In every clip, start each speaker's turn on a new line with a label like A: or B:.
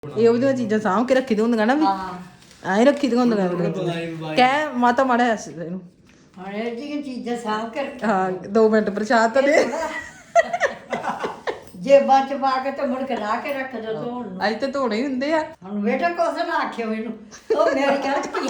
A: ਇਹੋ ਜਿਹੀਆਂ ਚੀਜ਼ਾਂ ਸਾਂਭ ਕੇ ਰੱਖੀ ਦੀਆਂ ਹੁੰਦੀਆਂ ਨਾ ਵੀ ਐਂ ਰੱਖੀ ਦੀਆਂ ਹੁੰਦੀਆਂ ਕਹਿ ਮਾਤਾ ਮਾੜਾ ਹੱਸ ਇਹਨੂੰ
B: ਹੁਣ ਇਹ ਜਿਹੀਆਂ ਚੀਜ਼ਾਂ ਸਾਂਭ ਕੇ ਰੱਖੀ
A: ਹਾਂ 2 ਮਿੰਟ ਪ੍ਰਸ਼ਾਦ ਤਾਂ ਦੇ
B: ਜੇਬਾਂ ਚ ਪਾ ਕੇ ਤੇ ਮੁੜ ਕੇ ਲਾ ਕੇ ਰੱਖ ਦੋ ਧੋਣ ਨੂੰ।
A: ਅੱਜ ਤੇ ਧੋਣੇ ਹੀ ਹੁੰਦੇ ਆ
B: ਹੁਣ ਬੇਟਾ ਕੁਛ ਨਾ ਆਖਿਓ ਮੈਨੂੰ ਉਹ ਮੇਰੀ ਗਲਤੀ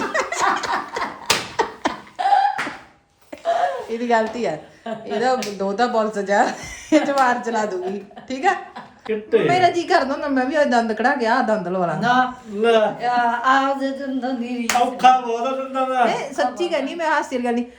A: ਇਹਦੀ ਗਲਤੀ ਆ ਇਹਦਾ ਦੋਤਾ ਪੁਲਿਸ ਜਾ ਇਹ ਜਵਾਰ ਚਲਾ ਦੂਗੀ ਠੀਕ ਆ
C: ਕਿੱਤੇ
A: ਮੇਰਾ ਜੀ ਕਰਦਾ ਹੁੰਦਾ ਮੈਂ ਵੀ ਅੱਜ ਦੰਦ ਕਢਾ ਗਿਆ ਦੰਦ ਲਵਾ ਲਾਂ
B: ਨਾ
C: ਲੈ
B: ਆਹ ਦੇ ਦੰਦਾਂ ਦੀ ਰੀਸ
C: ਔਖਾ ਬਹੁਤ ਆ ਦੰਦਾਂ ਦਾ
A: ਨਹੀਂ ਸੱਚੀ ਕਹਿੰਦੀ ਮੈਂ ਹਾਸੀ ਗੱਲ ਨਹੀਂ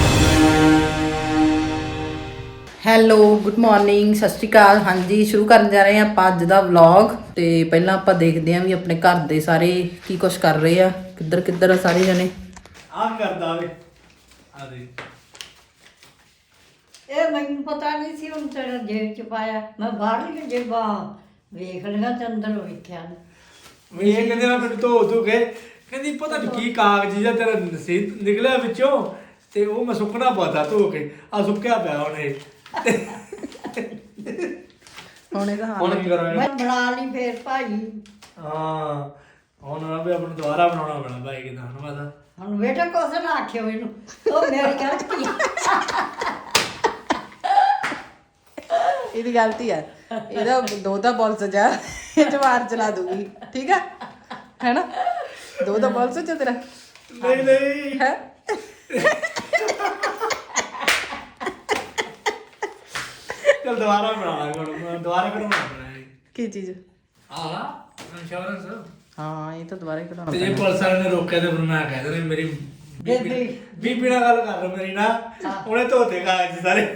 A: ਹੈਲੋ ਗੁੱਡ ਮਾਰਨਿੰਗ ਸਤਿ ਸ਼੍ਰੀ ਅਕਾਲ ਹਾਂਜੀ ਸ਼ੁਰੂ ਕਰਨ ਜਾ ਰਹੇ ਹਾਂ ਆਪਾਂ ਅੱਜ ਦਾ ਵਲੌਗ ਤੇ ਪਹਿਲਾਂ ਆਪਾਂ ਦੇਖਦੇ ਹਾਂ ਵੀ ਆਪਣੇ ਘਰ ਦੇ ਸਾਰੇ ਕੀ ਕੁਛ ਕਰ ਰਹੇ ਆ ਕਿੱਧਰ ਕਿੱਧਰ ਆ ਸਾਰੇ ਜਣੇ
C: ਆਹ ਕਰਦਾ ਵੇ ਆ ਦੇ
B: ਇਹ ਮੈਨੂੰ ਪਤਾ ਨਹੀਂ ਸੀ ਹੁਣ ਤੇਰਾ ਜੇਬ ਚ ਪਾਇਆ ਮੈਂ ਬਾਹਰਲੀਆਂ ਜੇਬਾਂ ਵੇਖ ਲਿਆ ਤੇ ਅੰਦਰ ਵੇਖਿਆ
C: ਮੈਂ ਇਹ ਕਹਿੰਦੇ ਨਾ ਮੈਨੂੰ ਧੋ ਕੇ ਕਹਿੰਦੀ ਪਤਾ ਨਹੀਂ ਕੀ ਕਾਗਜ਼ ਜਿਹਾ ਤੇਰਾ ਨਸੀਬ ਨਿਕਲਿਆ ਵਿੱਚੋਂ ਤੇ ਉਹ ਮੈਂ ਸੁੱਕਣਾ ਪਾਤਾ ਧੋ ਕੇ ਆ ਸੁੱਕਿਆ ਪਿਆ ਹੁਣ ਇਹ
A: ਹੁਣ ਇਹਦਾ ਹਾਲ
C: ਹੁਣ ਕੀ ਕਰਾਂ
B: ਮੈਂ ਬਣਾ ਲਈ ਫੇਰ ਭਾਈ
C: ਹਾਂ ਹੁਣ ਨਾ ਵੀ ਆਪਾਂ ਨੂੰ ਦੁਬਾਰਾ ਬਣਾਉਣਾ ਪੈਣਾ ਭਾਈ ਕਿਦਾਂ ਹੁਣ ਮਾਤਾ
B: ਹੁਣ ਬੇਟਾ ਕੁਛ ਨਾ ਆਖਿਓ ਮੈਨੂੰ ਉਹ ਮੇਰੀ ਗਲਤੀ
A: ਇਹਦੀ ਗਲਤੀ ਆ ਇਹਦਾ ਦੋਤਾ ਪੁਲਿਸ ਜਾ ਇਹ ਜਵਾਰ ਚਲਾ ਦੂਗੀ ਠੀਕ ਆ ਹੈਨਾ ਦੋਤਾ ਪੁਲਿਸ ਚ ਤੇਰਾ
C: ਨਹੀਂ ਨਹੀਂ
A: ਹੈ
C: ਚਲ ਦੁਬਾਰਾ ਬਣਾਵਾਂਗੇ ਹੁਣ ਦੁਬਾਰਾ ਬਣਾਉਣਾ ਪੈਣਾ
A: ਕੀ ਚੀਜ਼
C: ਆਹ ਇੰਸ਼ੋਰੈਂਸ
A: ਹਾਂ ਇਹ ਤਾਂ ਦੁਬਾਰਾ ਹੀ ਕਢਾਉਣਾ
C: ਤੇ ਜੇ ਪੁਲਿਸ ਵਾਲੇ ਨੇ ਰੋਕਿਆ ਤੇ ਫਿਰ ਮੈਂ ਕਹਿ ਦੇਣਾ ਮੇਰੀ ਬੀਬੀ ਨਾਲ ਗੱਲ ਕਰ ਲਓ ਮੇਰੀ ਨਾ ਉਹਨੇ ਧੋਤੇ ਕਾਗਜ਼ ਸਾਰੇ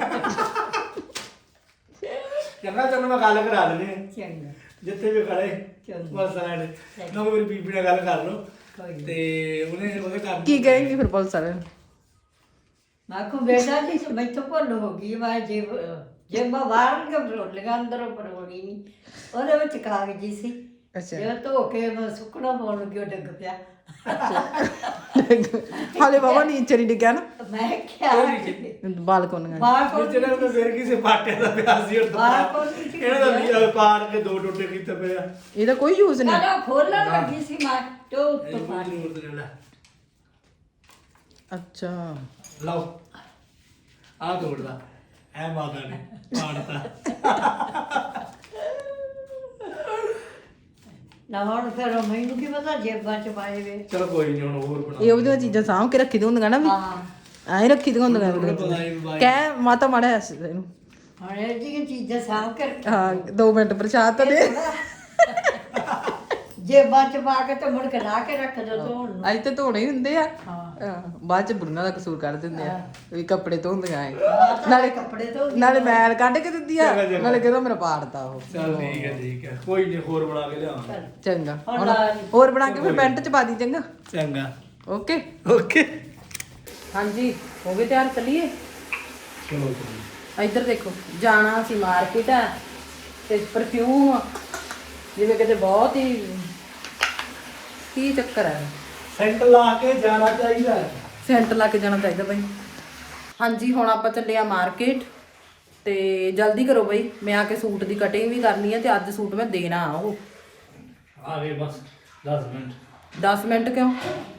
C: ਚੰਗਾ ਤੈਨੂੰ ਮੈਂ ਗੱਲ ਕਰਾ ਦਿੰਦੇ
B: ਚੰਗਾ
C: ਜਿੱਥੇ ਵੀ ਖੜੇ
B: ਚੰਗਾ।
C: ਪੁਲਿਸ ਵਾਲੇ ਨੇ ਨਾ ਮੇਰੀ ਬੀਬੀ ਨਾਲ ਗੱਲ ਕਰ ਲਓ
B: ਕੋਈ ਨੀ।
C: ਤੇ ਉਹਨੇ ਉਹਦੇ ਕਰ
A: ਕੀ ਕਹੇਂਗੀ ਫਿਰ ਪੁਲਿਸ ਵਾਲੇ ਨੂੰ
B: ਮੈਂ ਕੋ ਬੇਟਾ ਜੀ ਮੈਥੋਂ ਭੁੱਲ ਹੋ ਗਈ ਮੈਂ ਜੇਬਾਂ ਬਾਹਰ ਲਗਾ ਅੰਦਰ ਪਰੋੜੀ ਨਹੀਂ ਉਹਦੇ ਵਿੱਚ ਕਾਗਜ਼ੀ ਸੀ
A: ਅੱਛਾ
B: ਜੇ ਧੋ ਕੇ ਮੈਂ ਸੁੱਕਣਾ ਪਾਉਣ ਲੱਗੀ ਉਹ ਡਿੱਗ ਪਿਆ
A: ਹਾਲੇ ਬਾਬਾ ਨੀਚੇ ਨਹੀਂ ਡਿੱਗਿਆ ਨਾ
B: ਮੈਂ ਕਿਹਾ
A: ਬਾਲਕੋਨੀਆਂ
B: ਬਾਹਰ ਕੋਲ
C: ਜਿਹੜਾ ਉਹਨੇ ਫਿਰ ਕਿਸੇ ਪਾਟੇ ਦਾ ਪਿਆ ਸੀ ਉਹ
B: ਬਾਹਰ ਕੋਲ
C: ਇਹਨਾਂ ਦਾ ਵੀ ਪਾੜ ਕੇ 2 ਟੋਟੇ ਕੀਤੇ ਪਏ ਆ
A: ਇਹਦਾ ਕੋਈ ਯੂਜ਼ ਨਹੀਂ
B: ਨਾ ਖੋਲਣ ਲੱਗੀ ਸੀ ਮੈਂ ਤੋ
C: ਇਹ ਕੋਈ ਜ਼ਰੂਰਤ ਨਹੀਂ ਲੈ
A: ਅੱਛਾ
C: ਲਓ ਆ ਤੋੜਦਾ ਐ ਮਾਤਾ ਨੇ ਪਾੜਤਾ
B: ਨਾ ਹੁਣ ਫਿਰ ਮੈਨੂੰ ਕੀ ਪਤਾ ਜੇਬਾਂ ਚ ਪਾਏ ਵੇ
C: ਚਲੋ ਕੋਈ ਨਹੀਂ ਹੁਣ ਹੋਰ ਬਣਾ
A: ਇਹੋ ਜਿਹੀਆਂ ਚੀਜ਼ਾਂ ਸਾਂਭ ਕੇ ਰੱਖੀ ਦੀਆਂ ਹੁੰਦੀਆਂ ਨਾ ਵੀ
B: ਹਾਂ
A: ਐਂ ਰੱਖੀ ਦੀਆਂ ਹੁੰਦੀਆਂ
C: ਪਤਾ ਨਹੀਂ ਬਾਈ
A: ਕਹਿ ਮਾਤਾ ਮਾੜਾ ਹੱਸ ਇਹਨੂੰ
B: ਹੁਣ ਇਹ ਜਿਹੀਆਂ ਚੀਜ਼ਾਂ ਸਾਂਭ ਕੇ
A: ਹਾਂ 2 ਮਿੰਟ ਪ੍ਰਸ਼ਾਦ ਤਾਂ ਦੇ
B: ਜੇਬਾਂ ਚ ਪਾ ਕੇ ਤੇ ਮੁੜ ਕੇ ਲਾ ਕੇ ਰੱਖ ਦੋ ਧੋਣ ਨੂੰ।
A: ਅੱਜ ਤੇ ਧੋਣੇ ਹੀ ਹੁੰਦੇ ਆ
B: ਹਾਂ
A: ਬਾਅਦ ਚ ਬੁੜੀਆਂ ਦਾ ਕਸੂਰ ਕੱਢ ਦਿੰਦੇ ਆ ਵੀ ਕੱਪੜੇ ਧੋਂਦੀਆਂ ਐ
B: ਨਾਲੇ ਕੱਪੜੇ ਧੋ
A: ਨਾਲੇ ਮੈਲ ਕੱਢ ਕੇ ਦਿੰਦੀ ਆ ਨਾਲੇ ਕਹਿੰਦਾ ਮੇਰਾ ਪਾੜਦਾ ਉਹ
C: ਚੱਲ ਠੀਕ ਹੈ ਕੋਈ ਨਹੀਂ ਹੋਰ ਬਣਾ ਕੇ ਲਿਆਵਾਂਗੇ
A: ਚੰਗਾ
B: ਹੁਣ
A: ਹੁਣ
B: ਲਾ ਲਈ।
A: ਹੋਰ ਬਣਾ ਕੇ ਫਿਰ ਪੈਂਟ ਚ ਪਾ ਦੀ ਚੰਗਾ
C: ਚੰਗਾ
A: ਓਕੇ
C: ਓਕੇ
A: ਹਾਂਜੀ ਹੋ ਗਏ ਤਿਆਰ ਚੱਲੀਏ
C: ਚਲੋ
A: ਇੱਧਰ ਦੇਖੋ ਜਾਣਾ ਸੀ ਮਾਰਕੀਟ ਆ ਤੇ ਪਰਫਿਊਮ ਜਿਵੇਂ ਕਿਤੇ ਬਹੁਤ ਹੀ ਕੀ ਚੱਕਰ ਹੈ
C: ਸੈਂਟ ਲਾ ਕੇ ਜਾਣਾ ਚਾਹੀਦਾ
A: ਸੈਂਟਰ ਲਾ ਕੇ ਜਾਣਾ ਚਾਹੀਦਾ ਬਾਈ ਹਾਂਜੀ ਹੁਣ ਆਪਾਂ ਚੱਲੇ ਆ ਮਾਰਕੀਟ ਤੇ ਜਲਦੀ ਕਰੋ ਬਾਈ ਮੈਂ ਆ ਕੇ ਸੂਟ ਦੀ ਕਟਿੰਗ ਵੀ ਕਰਨੀ ਹੈ ਤੇ ਅੱਜ ਸੂਟ ਮੈਂ ਦੇਣਾ ਆ ਉਹ
C: ਆ ਗਏ ਬਸ 10 ਮਿੰਟ
A: 10 ਮਿੰਟ ਕਿਉਂ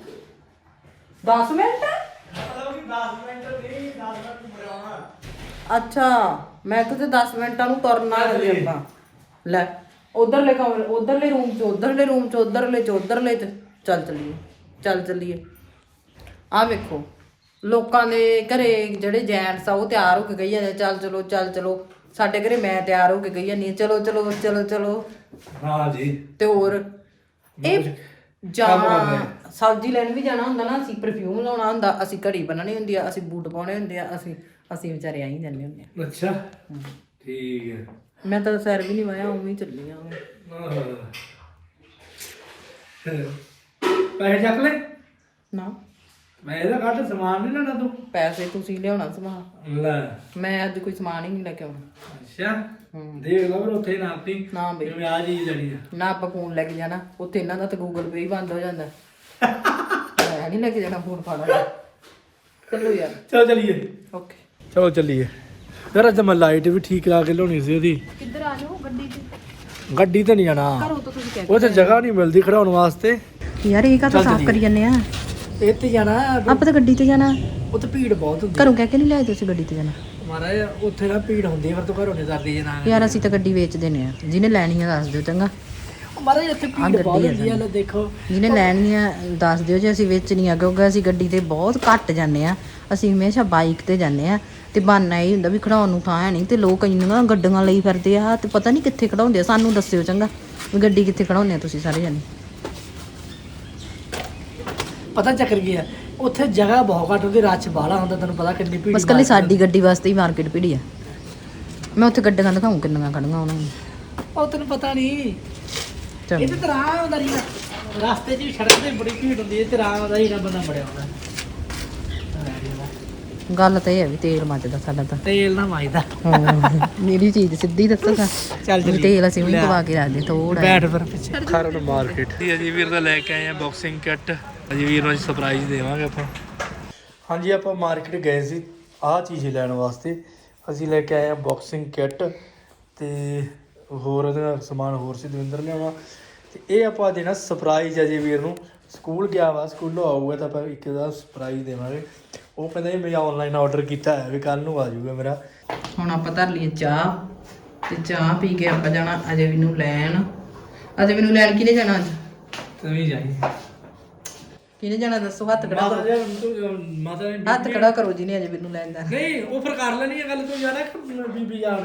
A: 10 ਮਿੰਟ
C: ਮਤਲਬ ਕਿ 10 ਮਿੰਟ ਨਹੀਂ 10 ਮਿੰਟ ਬਣਾਉਣਾ
A: ਅੱਛਾ ਮੈਂ ਕਿਤੇ 10 ਮਿੰਟਾਂ ਨੂੰ ਤੁਰਨਾ ਹੈ ਆਪਾਂ ਲੈ ਉਧਰਲੇ ਕਮਰੇ ਉਧਰਲੇ ਰੂਮ ਚ ਉਧਰਲੇ ਰੂਮ ਚ ਉਧਰਲੇ ਚ ਉਧਰਲੇ ਚ ਚੱਲ ਚੱਲੀਏ ਆਹ ਵੇਖੋ ਲੋਕਾਂ ਦੇ ਘਰੇ ਜਿਹੜੇ ਜੈਂਟਸ ਆ ਉਹ ਤਿਆਰ ਹੋ ਕੇ ਗਈ ਜਾਂਦੇ ਚੱਲ ਚਲੋ ਸਾਡੇ ਘਰੇ ਮੈਂ ਤਿਆਰ ਹੋ ਕੇ ਗਈ ਜਾਂਦੀ ਚਲੋ
C: ਹਾਂ ਜੀ
A: ਤੇ ਹੋਰ ਇਹ ਜਾਣਾ ਸਬਜ਼ੀ ਲੈਣ ਵੀ ਜਾਣਾ ਹੁੰਦਾ ਨਾ ਅਸੀਂ ਪਰਫਿਊਮ ਲਾਉਣਾ ਹੁੰਦਾ ਅਸੀਂ ਘੜੀ ਬੰਨਣੀ ਹੁੰਦੀ ਆ ਅਸੀਂ ਬੂਟ ਪਾਉਣੇ ਹੁੰਦੇ ਆ ਅਸੀਂ ਵਿਚਾਰੇ ਆਈ ਜਾਂਦੇ ਹੁੰਦੇ ਆ
C: ਅੱਛਾ ਠੀਕ ਹੈ
A: ਮੈਂ ਤਾਂ ਸੈਰ ਵੀ ਨਹੀਂ ਵਾਇਆ ਉਵੇਂ ਹੀ ਚੱਲੀ ਆ
C: ਪੈਸੇ ਚੱਕ ਲੈ
A: ਨਾ
C: ਮੈਂ ਇਹਦਾ ਕੱਢ ਸਮਾਨ ਨਹੀਂ ਲੈਣਾ ਤੂੰ
A: ਪੈਸੇ ਤੁਸੀਂ ਲਿਆਉਣਾ ਸਮਾਨ
C: ਲੈ
A: ਮੈਂ ਅੱਜ ਕੋਈ ਸਮਾਨ ਹੀ ਨਹੀਂ ਲੈ ਕੇ ਆਉਣਾ
C: ਅੱਛਾ ਦੇਖ ਲਓ ਫਿਰ ਉੱਥੇ ਨਾਪੀ
A: ਨਾ ਬਈ
C: ਜਿਵੇਂ ਆ ਚੀਜ਼ ਲੈਣੀ ਆ
A: ਨਾ ਆਪਾਂ ਫੋਨ ਲੈ ਕੇ ਜਾਣਾ ਉੱਥੇ ਇਹਨਾਂ ਦਾ ਤਾਂ ਗੂਗਲ ਪੇ ਹੀ ਬੰਦ ਹੋ ਜਾਂਦਾ ਮੈਂ ਨਹੀਂ ਲੈ ਕੇ ਜਾਣਾ ਫੋਨ ਫਾੜਾ ਚਲੋ ਯਾਰ
C: ਚਲੋ ਚਲੀਏ
A: ਓਕੇ
C: ਚਲੋ ਚੱਲੀਏ ਯਾਰ ਅੱਜ ਮੈਂ ਲਾਈਟ ਵੀ ਠੀਕ ਲਾ ਕੇ ਲਾਉਣੀ ਸੀ ਉਹਦੀ
A: ਕਿੱਧਰ ਆ ਜਾਓ ਗੱਡੀ 'ਚ
C: ਗੱਡੀ ਤੇ ਨਹੀਂ ਜਾਣਾ
A: ਘਰੋਂ ਤਾਂ ਤੁਸੀਂ ਕਹਿ
C: ਉਹ ਤੇ ਜਗ੍ਹਾ ਨਹੀਂ ਮਿਲਦੀ ਖੜਾਉਣ ਵਾਸਤੇ
A: ਯਾਰ ਇਹ ਕਾਹਤੋਂ ਸਾਫ਼ ਕਰੀ ਜਾਂਦੇ ਆ
C: ਇੱਥੇ ਜਾਣਾ
A: ਆਪਾਂ ਤਾਂ ਗੱਡੀ ਤੇ ਜਾਣਾ
C: ਉੱਥੇ ਭੀੜ ਬਹੁਤ ਹੁੰਦੀ
A: ਘਰੋਂ ਕਹਿ ਕੇ ਨਹੀਂ ਲਿਆਏ ਤੁਸੀਂ ਗੱਡੀ ਤੇ ਜਾਣਾ
C: ਮਹਾਰਾਜ ਉੱਥੇ ਨਾ ਭੀੜ ਹੁੰਦੀ ਹੈ, ਫਿਰ ਤੂੰ ਘਰੋਂ ਨਹੀਂ ਕਰਦੀ ਜੇ ਨਾ
A: ਯਾਰ ਅਸੀਂ ਤਾਂ ਗੱਡੀ ਵੇਚ ਦਿੰਨੇ ਆ ਜਿਹਨੇ ਲੈਣੀ ਆ ਦੱਸ ਦਿਓ ਚੰਗਾ
C: ਮਹਾਰਾਜ ਇੱਥੇ ਭੀੜ ਬਹੁਤ ਹੁੰਦੀ ਹੈ। ਲੈ ਦੇਖੋ
A: ਜਿਹਨੇ ਲੈਣੀ ਆ ਦੱਸ ਦਿਓ ਜੇ ਅਸੀਂ ਵੇਚਣੀ ਆ, ਕਿਉਂਕਿ ਅਸੀਂ ਗੱਡੀ ਤੇ ਬਹੁਤ ਘੱਟ ਜਾਂਦੇ ਆ, ਅਸੀਂ ਹਮੇਸ਼ਾ ਬਾਈਕ ਤੇ ਜਾਂਦੇ ਆ ਤੇ ਬਹਾਨਾ ਇਹ ਹੁੰਦਾ ਵੀ ਖੜਾਉਣ ਨੂੰ ਥਾਂ ਹੈ ਨਹੀਂ ਤੇ ਲੋਕ ਇੰਨੀਆਂ ਗੱਡੀਆਂ ਲਈ ਫਿਰਦੇ ਆ ਤੇ ਪਤਾ ਨਹੀਂ ਕਿੱਥੇ ਖੜਾਉਂਦੇ ਆ। ਸਾਨੂੰ ਦੱਸਿਓ ਚੰਗਾ ਵੀ ਗੱਡੀ ਕਿੱਥੇ ਖੜਾਉਂਦੇ ਆ ਤੁਸੀਂ ਸਾਰੇ ਜਾਣੇ।
C: ਪਤਾ ਚੱਕਰ ਕੀ ਹੈ, ਉੱਥੇ ਜਗ੍ਹਾ ਬਹੁਤ ਘੱਟ ਹੁੰਦੀ, ਰੱਛ ਬਾਹਲਾ ਹੁੰਦਾ, ਤੈਨੂੰ ਪਤਾ ਕਿੰਨੀ ਭੀੜ
A: ਬਸ ਕੱਲੀ ਸਾਡੀ ਗੱਡੀ ਵਾਸਤੇ ਹੀ ਮਾਰਕੀਟ ਭੀੜੀ ਆ। ਮੈਂ ਉੱਥੇ ਗੱਡੀਆਂ ਦਿਖਾਉਂ ਕਿੰਨੀਆਂ ਖੜੀਆਂ ਉਹਨਾਂ ਨੂੰ।
C: ਉਹ ਤੈਨੂੰ ਪਤਾ ਨਹੀਂ
A: ਚਲੋ
C: ਇਹ ਤੇ ਰਾਹ ਆਉਂਦਾ ਨਹੀਂ ਰਸਤੇ 'ਚ ਵੀ ਸੜਕ ਤੇ ਬੜੀ ਭੀੜ ਹੁੰਦੀ ਹੈ ਤੇ ਰਾਹ ਆਉਂਦਾ ਹੀ ਨਾ ਬੰਦਾ ਬੜਿਆ ਹੁੰਦਾ।
A: ਗੱਲ ਤਾਂ ਇਹ ਹੈ ਵੀ ਤੇਲ ਮੱਚਦਾ ਸਾਡਾ ਤਾਂ।
C: ਤੇਲ ਨਾ ਮਾਈਦਾ
A: ਮੇਰੀ ਚੀਜ਼ ਸਿੱਧੀ ਦੱਸਾਂ
C: ਚੱਲ
A: ਵੀ ਤੇਲ ਅਸੀਂ ਵੀ ਪਵਾ ਕੇ ਰੱਖਦੇ ਥੋੜਾ
C: ਬੈਠ ਫਿਰ ਪਿੱਛੇ ਖਰਨ ਮਾਰਕੀਟ ਅਜੀ ਵੀਰ ਦਾ ਲੈ ਕੇ ਆਏ ਆ ਬਾਕਸਿੰਗ ਕਿੱਟ। ਅਜੀ ਵੀਰ ਨੂੰ ਸਰਪ੍ਰਾਈਜ਼ ਦੇਵਾਂਗੇ ਆਪਾਂ। ਹਾਂਜੀ ਆਪਾਂ ਮਾਰਕੀਟ ਗਏ ਸੀ ਆਹ ਚੀਜ਼ ਲੈਣ ਵਾਸਤੇ। ਅਸੀਂ ਲੈ ਕੇ ਆਏ ਆ ਬਾਕਸਿੰਗ ਕਿੱਟ ਤੇ ਹੋਰ ਉਹਦੇ ਨਾਲ ਸਮਾਨ ਹੋਰ ਸੀ ਦਵਿੰਦਰ ਲਿਆਉਣਾ ਤੇ ਇਹ ਆਪਾਂ ਦੇਣਾ ਸਰਪ੍ਰਾਈਜ਼ ਅਜੀ ਵੀਰ ਨੂੰ। ਸਕੂਲ ਗਿਆ ਵਾ, ਸਕੂਲੋਂ ਆਊਗਾ ਤਾਂ ਆਪਾਂ ਇੱਕ ਦਾ ਸਰਪ੍ਰਾਈਜ਼ ਦੇਵਾਂਗੇ। ਉਹ ਕਹਿੰਦਾ ਜੀ ਮੈਂ ਆਨਲਾਈਨ ਆਰਡਰ ਕੀਤਾ ਹੈ ਵੀ ਕੱਲ ਨੂੰ ਆ ਜਾਊਗਾ ਮੇਰਾ।
A: ਹੁਣ ਆਪਾਂ ਧਰ ਲਈਏ ਚਾਹ ਤੇ ਚਾਹ ਪੀ ਕੇ ਆਪਾਂ ਜਾਣਾ ਅਜੇ ਵੀ ਨੂੰ ਲੈਣ। ਅਜੇ ਵੀ ਨੂੰ ਲੈਣ ਕਿਹਨੇ ਜਾਣਾ ਅੱਜ?
C: ਤੂੰ ਵੀ ਜਾਈ
A: ਕਿਹਨੇ ਜਾਣਾ ਦੱਸੋ? ਹੱਥ ਖੜਾ ਕਰੋ,
C: ਮਾਤਾ ਨੇ
A: ਹੱਥ ਖੜਾ ਕਰੋ ਜਿਹਨੇ ਅਜੇ ਵੀ ਨੂੰ ਲੈਣ ਜਾਣਾ।
C: ਨਹੀਂ ਉਹ ਫਿਰ ਕਰ ਲੈਣੀ ਹੈ ਗੱਲ। ਤੂੰ ਜਾਣਾ ਕਿ ਬੀਬੀ ਜਾਣ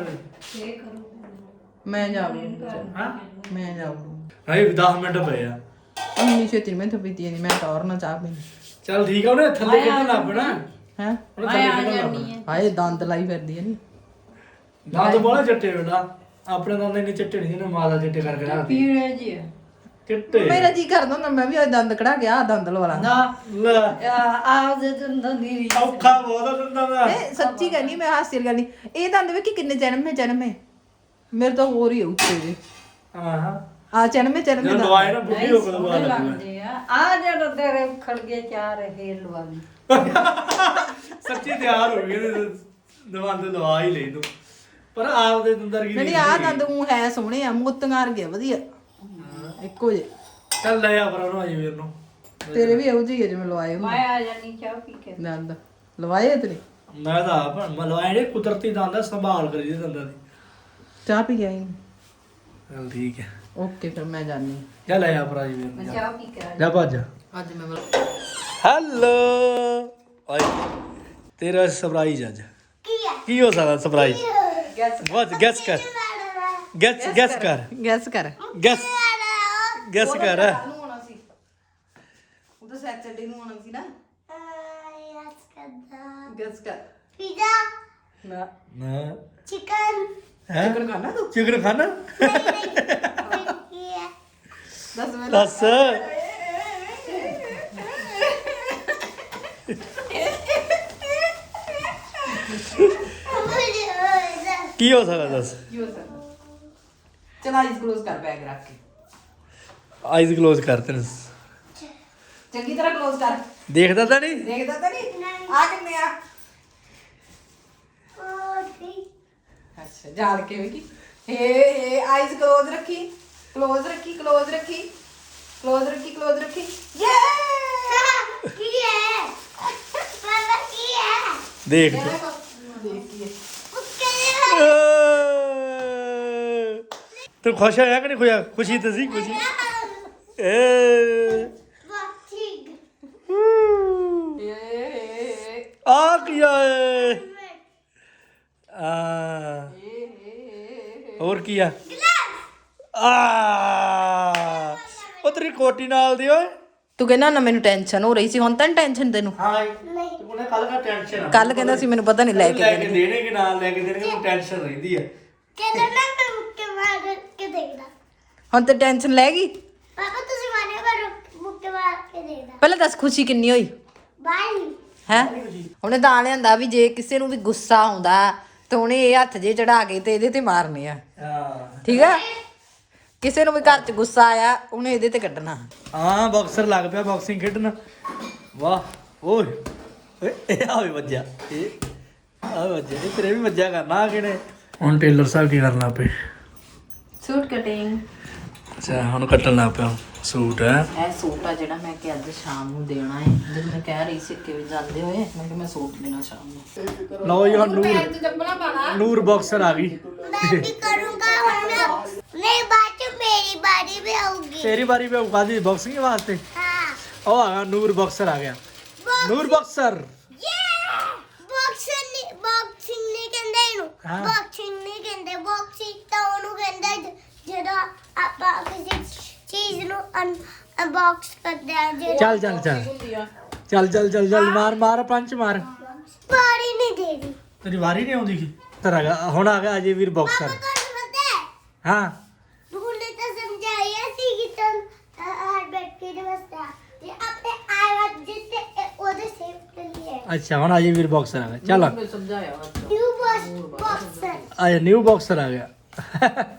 A: ਮੈਂ ਜਾਊਂਗੀ।
C: ਹਾਂ
A: ਮੈਂ ਜਾਊਂਗੀ।
C: ਹਾਏ 10 ਮਿੰਟ ਪਏ ਆ।
A: ਅੰਨੀ ਛੇਤੀ ਮੈਂ ਤਾਂ ਪੀਤੀ ਨਹੀਂ, ਮੈਂ ਟੌਰ ਨਾ ਚਾਹ ਪੀਣੀ।
C: ਚੱਲ ਠੀਕ ਆ, ਉਹਨੇ ਥੱਲੇ ਕਿੱਦਾਂ ਲੱਭਣਾ
A: ਹੈ
C: ਉਹਨੇ ਥੱਲੇ ਕਿੱਦਾਂ ਲੱਭਣਾ।
A: ਹਾਏ ਦੰਦ ਲਾਈ ਫਿਰਦੀ ਹੈ ਨੀ।
C: ਦੰਦ ਬੋਲਾ ਚੱਟੇ ਬੇਟਾ, ਆਪਣੇ ਦੰਦ ਇੰਨੇ ਚੱਟੇ ਨਹੀਂ ਜਿਹਨੇ ਮਾਦਾ ਚੱਟੇ ਕਰਕੇ ਰੱਖਦੀ
B: ਪੀੜੇ ਜੀ
C: ਚਿੱਟੇ।
A: ਮੇਰਾ ਜੀ ਕਰਦਾ ਹੁੰਦਾ ਮੈਂ ਵੀ ਉਹ ਦੰਦ ਕਢਾ ਕੇ ਆ ਦੰਦ ਲਵਾ ਲਾਂ।
B: ਨਾ
C: ਲੈ
B: ਆਹ ਦੇ ਦੰਦਾਂ ਦੀ ਰੀਸ।
C: ਔਖਾ ਬਹੁਤ ਆ ਦੰਦਾਂ ਦਾ।
A: ਇਹ ਸੱਚੀ ਕਹਿੰਦੀ ਮੈਂ ਹਾਸੀ ਗੱਲ ਨਹੀਂ। ਇਹ ਦੰਦ ਵੇਖੀ ਕਿੰਨੇ ਜਨਮੇ ਮੇਰੇ ਤਾਂ ਹੋਰ ਹੀ ਉੱਚੇ ਜੇ।
C: ਹਾਂ
A: ਆ ਜਨਮੇ
C: ਜਦੋਂ ਦਵਾਈ ਨਾ ਬੁੱਢੀ ਹੋ ਕੇ ਦਵਾ ਲੱਗੂਗਾ।
B: ਲੱਗਦੇ ਆ ਜਿਹੜਾ ਤੇਰੇ ਖੜ ਗਏ ਚਾਰ ਇਹ ਲਵਾਵੀ।
C: ਸੱਚੀ ਤਿਆਰ ਹੋ ਗਏ ਦਵਾਈ ਤੇ ਦਵਾ ਹੀ ਲਈ ਤੂੰ। ਪਰ ਆਪ ਦੇ ਦੰਦਰ ਕੀ
A: ਨਹੀਂ ਆ ਦੰਦ ਉਹ ਹੈ ਸੋਹਣੇ ਆ, ਮੋਤੀਆਂ ਵਰਗੇ ਆ, ਵਧੀਆ ਇੱਕੋ ਜੇ।
C: ਚੱਲ ਲੈ ਆ ਪਰ ਉਹਨੂੰ ਅਜੇ ਵੀਰ ਨੂੰ।
A: ਤੇਰੇ ਵੀ ਇਹੋ ਜਿਹੇ ਜਿਵੇਂ ਲਵਾਏ ਹੁੰਦੇ
B: ਮੈਂ ਆ ਜਾਨੀ ਚਾਹ ਪੀ ਕੇ।
A: ਦੰਦ ਲਵਾਏ ਤੇ ਨਹੀਂ।
C: ਮੈਂ ਤਾਂ ਆਪ ਮਲਵਾਏ ਨੇ ਕੁਦਰਤੀ ਦੰਦ ਆ, ਸੰਭਾਲ ਕਰੀ ਦੇ ਦੰਦਾਂ ਦੀ।
A: ਚਾਹ ਪੀ ਗਿਆ
C: ਚੱਲ ਠੀਕ ਹੈ
A: ਓਕੇ ਫਿਰ ਮੈਂ ਜਾਣੀ।
C: ਚੱਲ ਲੈ ਆ ਪਰ ਅਜੇ ਵੀਰ
B: ਮੈਂ
C: ਨੂੰ।
B: ਚਾਹ ਪੀ ਕੇ ਆ
C: ਜਾ ਭੱਜ।
A: ਅੱਜ ਮੈਂ
C: ਹੈਲੋ ਓਏ ਤੇਰਾ ਸਰਪ੍ਰਾਈਜ਼ ਅੱਜ ਕੀ ਹੋ ਸਕਦਾ ਸਰਪ੍ਰਾਈਜ਼? ਵਾਟ ਗੈਸ ਕਰ ਗੈਸ ਕਰ
A: ਗੈਸ ਕਰ
C: ਗੈਸ ਕਰ
A: ਨੂੰ ਹੋਣਾ ਸੀ ਉਹ ਤਾਂ ਸੈਚਰਡੇ ਨੂੰ ਹੋਣਾ ਸੀ ਨਾ। ਗੈਸ ਕਰ ਨਾ
C: ਨਾ
B: ਚਿਕਨ
C: ਹੈ
A: ਚਿਕਨ ਖਾਣਾ ਤੂੰ?
C: ਚਿਕਨ ਖਾਣਾ
A: ਦੱਸ ਮੈਂ
C: ਦੱਸ ਕੀ ਹੋ ਸਕਦਾ ਦੱਸ?
A: ਕੀ ਹੋ ਸਕਦਾ? ਚਲ ਆਈਜ਼ ਕਲੋਜ਼ ਕਰ ਬੈਗ ਰੱਖ ਕੇ।
C: ਆਈਜ਼ ਕਲੋਜ਼ ਕਰ ਤੈਨੂੰ
A: ਚੰਗੀ ਤਰ੍ਹਾਂ ਕਲੋਜ਼ ਕਰ।
C: ਦੇਖਦਾ ਤਾਂ ਨਹੀਂ?
A: ਦੇਖਦਾ ਤਾਂ ਨਹੀਂ? ਆ ਕਿੰਨੇ ਆ? ਅੱਛਾ ਜਾਲ ਕੇ ਵੇਖੀ। ਏ ਆਈਜ਼ ਕਲੋਜ਼ ਰੱਖੀ, ਕਲੋਜ਼ ਰੱਖੀ, ਕਲੋਜ਼ ਰੱਖੀ, ਕਲੋਜ਼ ਰੱਖੀ, ਕਲੋਜ਼ ਰੱਖੀ। ਯੇ
C: ਦੇਖ ਤੂੰ।
A: ਦੇਖ ਕੀ ਹੈ।
C: ਤੂੰ ਖੁਸ਼ ਹੋਇਆ ਕਿ ਨਹੀਂ ਖੁਸ਼ਾ? ਖੁਸ਼ੀ ਤਾਂ ਸੀ ਖੁਸ਼ੀ। ਆ ਕੀ ਆਏ ਆ ਹੋਰ ਕੀ ਆ? ਉਹ ਤੇਰੀ ਕੋਟੀ ਨਾਲ ਦੀ ਓਏ।
A: ਤੂੰ ਕਹਿੰਦਾ ਨਾ ਮੈਨੂੰ ਟੈਨਸ਼ਨ ਹੋ ਰਹੀ ਸੀ, ਹੁਣ ਤਾਂ ਟੈਨਸ਼ਨ ਤੈਨੂੰ?
C: ਹਾਂ ਤੂੰ ਕਹਿੰਦਾ ਕੱਲ ਦਾ ਟੈਨਸ਼ਨ ਆ।
A: ਕੱਲ ਕਹਿੰਦਾ ਸੀ ਮੈਨੂੰ ਪਤਾ ਨਹੀਂ ਲੈ ਕੇ
C: ਲੈ ਕੇ ਦੇਣੇ ਕਿ ਨਾ ਲੈ ਕੇ ਦੇਣਗੇ, ਮੈਨੂੰ ਟੈਨਸ਼ਨ ਰਹਿੰਦੀ ਆ।
A: ਹੁਣ ਤੇ ਟੈਨਸ਼ਨ ਲੈ ਗਈ।
D: ਪਾਪਾ ਤੁਸੀਂ ਮਾਰਿਓ ਪਰ ਮੁੱਕੇ ਮਾਰ ਕੇ ਦੇਖਦਾ
A: ਪਹਿਲਾਂ ਦੱਸ ਖੁਸ਼ੀ ਕਿੰਨੀ ਹੋਈ
D: ਬਾਈ
A: ਹੈ? ਉਹਨੇ ਤਾਂ ਲਿਆਂਦਾ ਵੀ ਜੇ ਕਿਸੇ ਨੂੰ ਵੀ ਗੁੱਸਾ ਆਉਂਦਾ ਤਾਂ ਉਹਨੇ ਇਹ ਹੱਥ ਜੇ ਚੜਾ ਕੇ ਤੇ ਇਹਦੇ ਤੇ ਮਾਰਨੇ ਆ।
C: ਹਾਂ
A: ਠੀਕ ਆ? ਕਿਸੇ ਨੂੰ ਵੀ ਘਰ 'ਚ ਗੁੱਸਾ ਆਇਆ ਉਹਨੇ ਇਹਦੇ ਤੇ ਕੱਢਣਾ।
C: ਹਾਂ ਬਾਕਸਰ ਲੱਗ ਪਿਆ ਬਾਕਸਿੰਗ ਖੇਡਣ। ਵਾਹ ਓਏ ਇਹ ਆ ਵੀ ਵੱਜਿਆ, ਇਹ ਆ ਵੱਜਿਆ, ਇਹ ਤੇਰੇ ਵੀ ਵੱਜਿਆ ਕਰਨਾ ਆ ਕਿਹਨੇ। ਹੁਣ ਟੇਲਰ ਸਾਹਿਬ ਕੀ ਕਰਨ ਲੱਗ ਪਏ?
A: Suit cutting.
C: ਅੱਛਾ ਹੁਣ ਕੱਟਣ ਲੱਗ ਪਿਆ ਸੂਟ ਹੈ।
A: ਇਹ ਸੂਟ ਆ ਜਿਹੜਾ ਮੈਂ ਕਿ ਅੱਜ ਸ਼ਾਮ ਨੂੰ ਦੇਣਾ ਹੈ। ਜਦੋਂ ਮੈਂ ਕਹਿ ਰਹੀ ਸੀ ਕਿ ਵੀ ਜਾਂਦੇ ਹੋਏ ਮੈਂ ਕਿ ਮੈਂ ਸੂਟ ਦੇਣਾ ਸ਼ਾਮ ਨੂੰ।
C: ਲਓ ਜੀ ਹੁਣ ਨੂਰ
A: ਚੱਪਲਾਂ ਪਾਣਾ।
C: ਨੂਰ ਬਾਕਸਰ ਆ ਗਈ।
D: मैं भी करूँगा और नहीं बात मेरी बारी भी आऊंगी।
C: ਤੇਰੀ ਵਾਰੀ पे उगा दी बॉक्सिंग वास्ते।
D: हाँ
C: ਉਹ ਆ ਗਿਆ ਨੂਰ ਬਾਕਸਰ ਆ ਗਿਆ। ਨੂਰ ਬਾਕਸਰ
D: बॉक्सिंग नहीं कहते ਇਹਨੂੰ
C: हाँ।
D: बॉक्सिंग नहीं कहते बॉक्सिंग ਤਾਂ ਉਹਨੂੰ ਕਹਿੰਦੇ ਜਦੋਂ ਆਪਾਂ ਕਿਸੇ ਚੀਜ਼ ਨੂੰ ਅਨਬਾਕਸ ਕਰਦੇ ਆ ਜੇ
C: ਚੱਲ ਚੱਲ ਚੱਲ ਚੱਲ ਚੱਲ ਚੱਲ ਚੱਲ ਮਾਰ ਮਾਰ ਪੰਚ ਮਾਰ।
D: ਬਾਰੀ ਨਹੀਂ ਦੇਦੀ
C: ਤੇਰੀ ਵਾਰੀ ਨਹੀਂ ਆਉਂਦੀ ਕੀ ਤਰ ਆ ਗਿਆ ਹੁਣ ਆ ਗਿਆ ਅਜੇ ਵੀਰ ਬਾਕਸਰ।
D: ਤੁਹਾਨੂੰ ਪਤਾ ਹੈ
C: ਹਾਂ
D: ਭੁੱਲੇ ਤਾਂ ਸਮਝਾਇਆ ਸੀ ਕਿ ਤੁਮ ਹਰ ਬੈਠ ਕੇ ਬਸਤਾ ਤੇ ਆਪਣੇ ਆਵਾਜ਼ ਜਿੱਤੇ ਉਹਦੇ ਸੇਵ ਕਰ ਲਿਆ
C: ਅੱਛਾ ਹੁਣ ਅਜੇ ਵੀਰ ਬਾਕਸਰ ਆ ਗਿਆ ਚੱਲ
A: ਮੈਂ ਸਮਝਾਇਆ
D: ਨਿਊ ਬॉक्सर
C: ਆ ਨਿਊ ਬਾਕਸਰ ਆ ਗਿਆ।